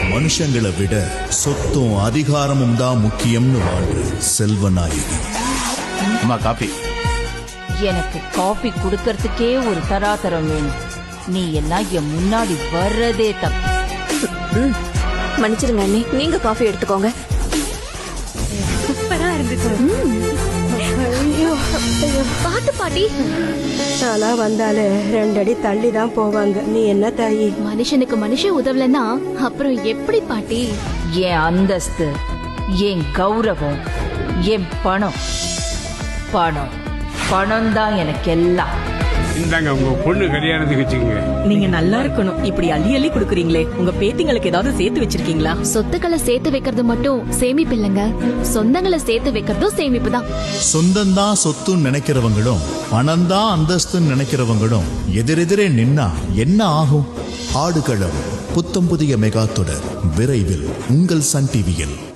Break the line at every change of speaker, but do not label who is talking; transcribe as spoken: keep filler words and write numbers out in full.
மனுஷங்களை விட சொத்தும் அதிகாரமும் தான் முக்கியம்னு வாழ்ற செல்வநாயகி.
அம்மா காபி.
எனக்கு காபி குடுக்கறதுக்கே ஒரு தராதரம் வேணும். நீ எல்லாம் என் முன்னாடி வர்றதே தப்பு.
மன்னிச்சிருங்க அண்ணி, நீங்க காஃபி எடுத்துக்கோங்க.
சூப்பரா இருந்துச்சு.
பாத்து பாட்டி.
சாலா வந்தாலே ரெண்டடி தள்ளி தான் போவாங்க. நீ என்ன தாயி?
மனுஷனுக்கு மனுஷன் உதவலன்னா அப்புறம் எப்படி பாட்டி?
என் அந்தஸ்து, என் கௌரவம், என் பணம் பணம் பணம் தான் எனக்கு எல்லாம்.
இந்தாங்க உங்க பொண்ணு கல்யாணத்துக்கு வச்சுக்கோங்க.
நீங்க நல்லா இருக்கணும். இப்படி அள்ளி அள்ளி குடுக்குறீங்களே, உங்க பேத்திங்களுக்கு ஏதாவது சேர்த்து வச்சிருக்கீங்களா?
சொத்துக்களை சேர்த்து வைக்கிறது மட்டும் சேமிப்பு இல்லைங்க, சொந்தங்களை சேர்த்து வைக்கிறதும் சேமிப்பு தான்.
சொந்தம் தான் சொத்துன்னு நினைக்கிறவங்களும் பணம் தான் அந்தஸ்துன்னு நினைக்கிறவங்களும் எதிரெதிரே நின்னா என்ன ஆகும்? ஆடுகளம் புத்தம் புதிய மெகா தொடர் விரைவில் உங்கள் சன் டிவியில்.